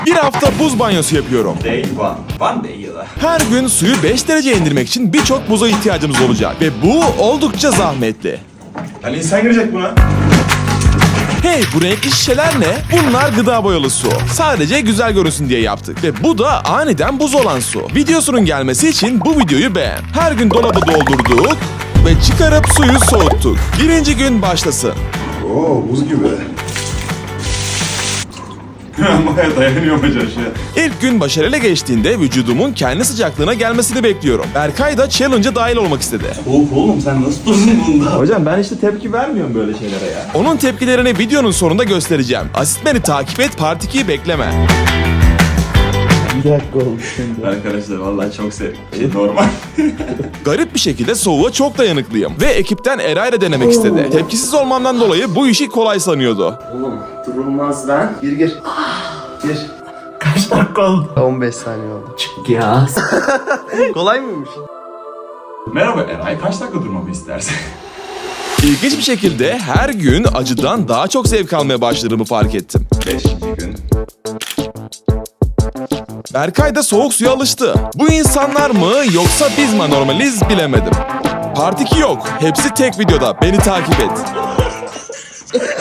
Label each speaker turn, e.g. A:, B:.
A: Bir hafta buz banyosu yapıyorum.
B: Day one. One day yılı.
A: Her gün suyu 5 dereceye indirmek için birçok buza ihtiyacımız olacak. Ve bu oldukça zahmetli.
B: Hani insan girecek buna.
A: Hey, bu renkli şişeler ne? Bunlar gıda boyalı su. Sadece güzel görünsün diye yaptık. Ve bu da aniden buz olan su. Videosunun gelmesi için bu videoyu beğen. Her gün dolabı doldurduk ve çıkarıp suyu soğuttuk. Birinci gün başlasın.
B: Oo, buz gibi. Baya dayanıyorum hocam şey.
A: İlk gün başarıyla geçtiğinde vücudumun kendi sıcaklığına gelmesini bekliyorum. Berkay da challenge'a dahil olmak istedi.
B: Oğlum sen nasıl durdun bunda?
A: Hocam ben işte tepki vermiyorum böyle şeylere ya. Onun tepkilerini videonun sonunda göstereceğim. Asitmen'i takip et, Part 2'yi bekleme.
C: Bir dakika oldu şimdi.
B: Arkadaşlar vallahi çok sevdim. Normal.
A: Garip bir şekilde soğuğa çok dayanıklıyım. Ve ekipten Eray da denemek istedi. Tepkisiz olmamdan dolayı bu işi kolay sanıyordu.
C: Oğlum durulmaz lan. Gir. Gir. Kaç dakika oldu? 15 saniye oldu. Çık ya. Kolay mıymış?
B: Merhaba Eray, kaç dakika durmamı istersin?
A: İlginç bir şekilde her gün acıdan daha çok zevk almaya başladığımı fark ettim.
B: 5 gün.
A: Berkay da soğuk suya alıştı. Bu insanlar mı yoksa biz mi normaliz bilemedim. Part 2 yok. Hepsi tek videoda. Beni takip et.